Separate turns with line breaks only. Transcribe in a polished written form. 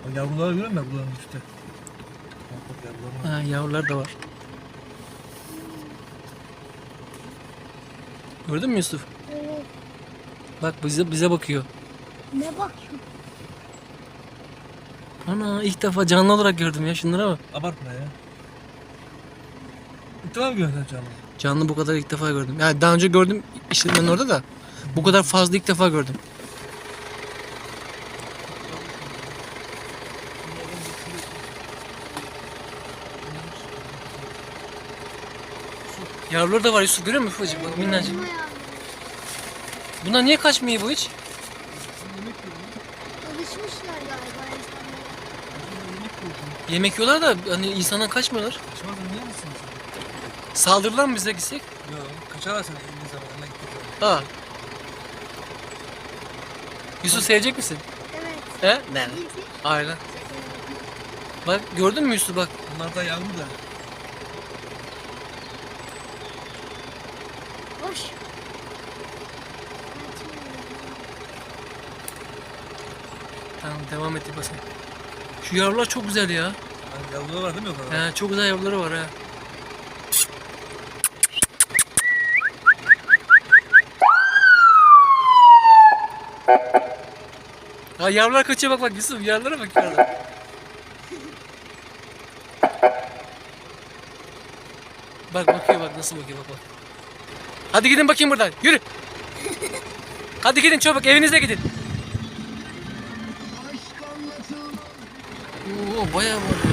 Yavruları görüyor musun bunların üstte? Bak yavrular var.
Ha, yavrular da var. Gördün mü Yusuf?
Evet.
Bak bize bakıyor.
Ne bakıyorsun?
Ana ilk defa canlı olarak gördüm ya, şunlara bak.
Abartma ya. İlk defa mı gördün canlı?
Canlı bu kadar ilk defa gördüm. Yani daha önce gördüm işletmenin orada da. Bu kadar fazla ilk defa gördüm. Yavruları da var Yusuf, görüyor musun ufacık bak, minnacık.
Elma yavru.
Bunlar niye kaçmıyor bu hiç?
Alışmışlar galiba insanlara.
Yemek yiyorlar da hani insandan kaçmıyorlar.
Kaçmaz mı? Niye misin sen?
Saldırırlar mı bize gitsek?
Yok. Kaçarlar sen elini zamanına gittik.
Ha. Yusuf sevecek misin?
Evet.
He? Ne?
Bilgi.
Aynen. Bak gördün mü Yusuf bak.
Bunlar da yavru da.
Hoş.
Tamam devam et basın. Şu yavrular çok güzel ya.
Yani yavruları var değil mi o kadar?
He, çok güzel yavruları var ha. Ha, yavrular kaçıyor, bak Yusuf, yavrulara bak yukarıda. Bak bakıyor, bak nasıl bakıyor, bak. Hadi gidin bakayım buradan, yürü. Hadi gidin çabuk, evinize gidin. Oo, bayağı var.